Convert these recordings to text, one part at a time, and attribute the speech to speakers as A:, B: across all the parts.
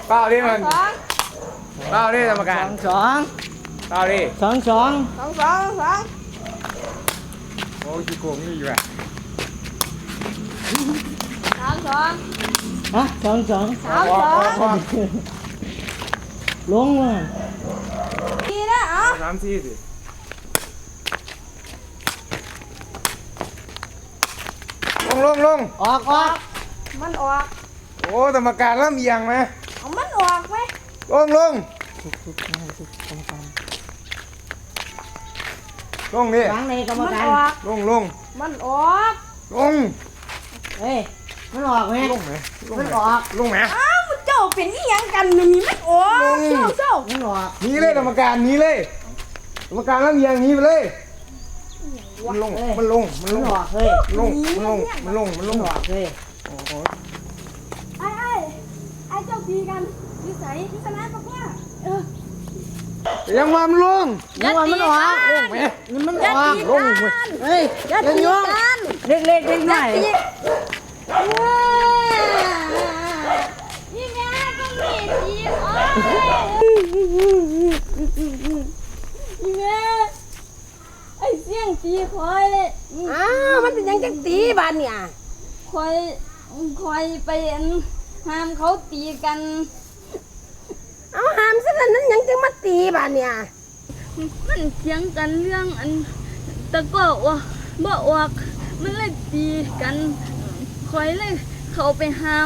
A: เป้าดิมัน
B: สอง
A: เป้าดิกรรมการ
C: สอง
A: เป้าดิ
C: สองสอง
B: สองสองสอง
A: โอ้ยขี้โกงนี่อยู่อ่ะ
B: สามสอง
C: ฮะสองสอง
B: สามสอง
C: ลงมา
B: ดีนะอ๋อ
A: สามสี่สิลง
C: ออกออก
B: มันออก
A: โอ้กรรมการเริ่มเอียงไหม
B: เอามันออกไหม
A: ลงดิ
C: วางในกรรม
B: มัน
C: การ
B: ออก
A: ลง
B: มันออก
C: เฮ้ยมันออกไหม
A: ลงไหม
C: มันออก
A: ลงไหม
B: อ้าวเจ้าเป็นอีหยังกันนี่มันออกเจ้า
C: มันออก
A: หนีเลยกรรมการหนีเลยกรรมการเริ่มเอียงหนีไปเลยมันลง
C: มันออกเฮ้ย
A: มันลง
C: มันออกเฮ้ย
B: ไอ้เจ้าตีกันนิสัยพิษณะปะว่า
A: ยังมามันลง
C: มันออกมันออก
A: ลงไหม
C: มันออก
A: ลงเว้ย
C: เฮ้ย
B: อย่าตีกัน
C: เล็กเล็กเล็กหน่อย
B: นี่แม่ก็มีตีอ๋อนี่แม่ไอ้เสียงตีคอยเลย
D: อ้าวมันเป็นหยังจังตีบ้านเนี่ย
B: คอยไปห้ามเขาตีกัน
D: เอาหามซะแล้วนั้นหยังจังมาตีบ้านเนี่ย
B: มันเถียงกันเรื่องตะก็ว่าบ่ออกมันเลยตีกันคอยเลยเขาไปห้าม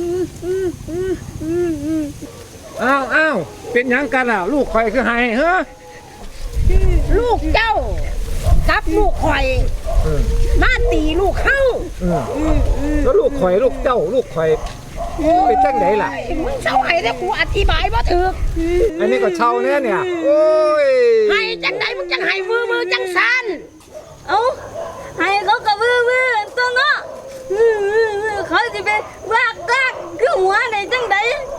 A: อ้าวเป็นหยังกันอ่ะลูกคอยคือไห้เฮ้อ
D: ลูกเจ้ากับลูกข่อยมาตีลูกเข้า
A: แล้วลูกคอยลูกเจ้าลูกคอยเป็นจังไหนล่ะ
D: มึงเศร้าไห้แต่กูอธิบายบ่ถูก
A: อันนี้ก็เช่าเนี่ยโอ้ย
D: ให้จังไดมึงจังให้มือจังสัน
B: เอาให้เขากระวือตัวเนาะเขาจะไปวากคือหัวไหนจังได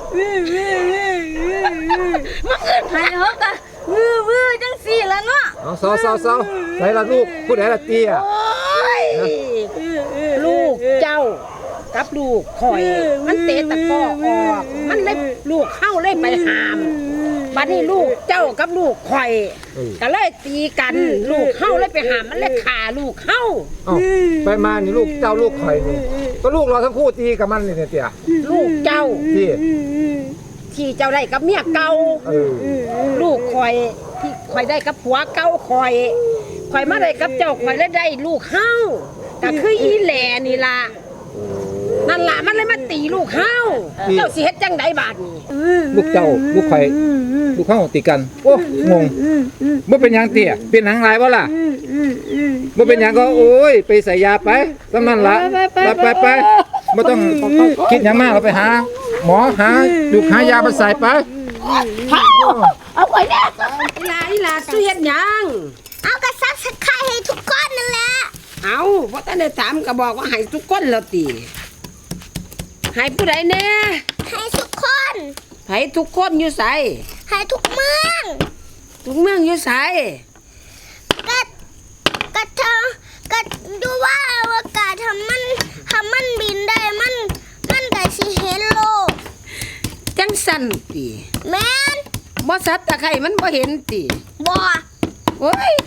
D: มึงอื่น
B: ให้เขากระวือจังสี่ละเนาะ
A: เอาเศร้าใส่ละลูกผู้ใดละเตี้ย
D: โอ้ยลูกเจ้ากับลูกข่อย มันเตะตะกร้อออกมันเลยลูกเข้าเลยไปหามบัดนี้ลูกเจ้ากับลูกข่อยก็เลยตีกันลูกเข้าเลยไปหามมันเลยขาลูกเข้า
A: เอาไปมานี่ลูกเจ้าลูกคอยนี่ก็ลูกเราทั้งคู่ตีกับมันนี่เนี่ยเตี้ย
D: ลูกเจ้า
A: ที่
D: ที่เจ้าได้กับเมียเก่าลูกข่อยที่ข่อยได้กับผัวเก่าข่อยมาได้กับเจ้าข่อยแล้วได้ลูกเข้าก็คืออีแหล่นี่ล่ะนั่นล่ะมันเลยมาตีลูกเข้าเจ้าสิเฮ็ดจังไดบาดนี้
A: ลูกเจ้าลูกคอยลูกเข้าตีกันโอ้งงเมื่อเป็นหยังเตี้ยเป็นหนังลายวะล่ะเมื่อเป็นหยังก็โอ้ยไปใส่ยาไปสำนั่นละไปไม่ต้องคิดหยังมากเราไปหาหมอหาดูหายามาใส่ไป
D: เอาไว้เนี่ยอีหลาสู้เฮ็ดหยัง
E: เอากระซับสไครให้ทุกคนนั่นแหละ
D: เอาบ่ทันได้ถามก็บอกว่าให้ทุกคนแล้วติให้ผู้ใดแน่
E: ให้ทุกคน
D: ให้ทุกคนอยู่ไส
E: ให้ทุกเมือง
D: ทุกเมืองอยู่ไส
E: ก็ก็ดูว่าอวกาศทำมันบินได้มันก็สิเห็นโลก
D: จังสั่นติ
E: แม่น
D: บ่สัตว์ตะไคร่มันบ่เห็นติ
E: บ่
D: โอ้ย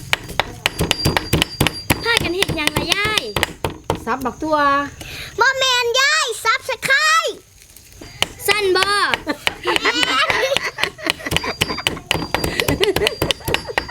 E: พากันเฮ็ดหยังล่ะยาย
D: สับบักตัว
E: บ่แม่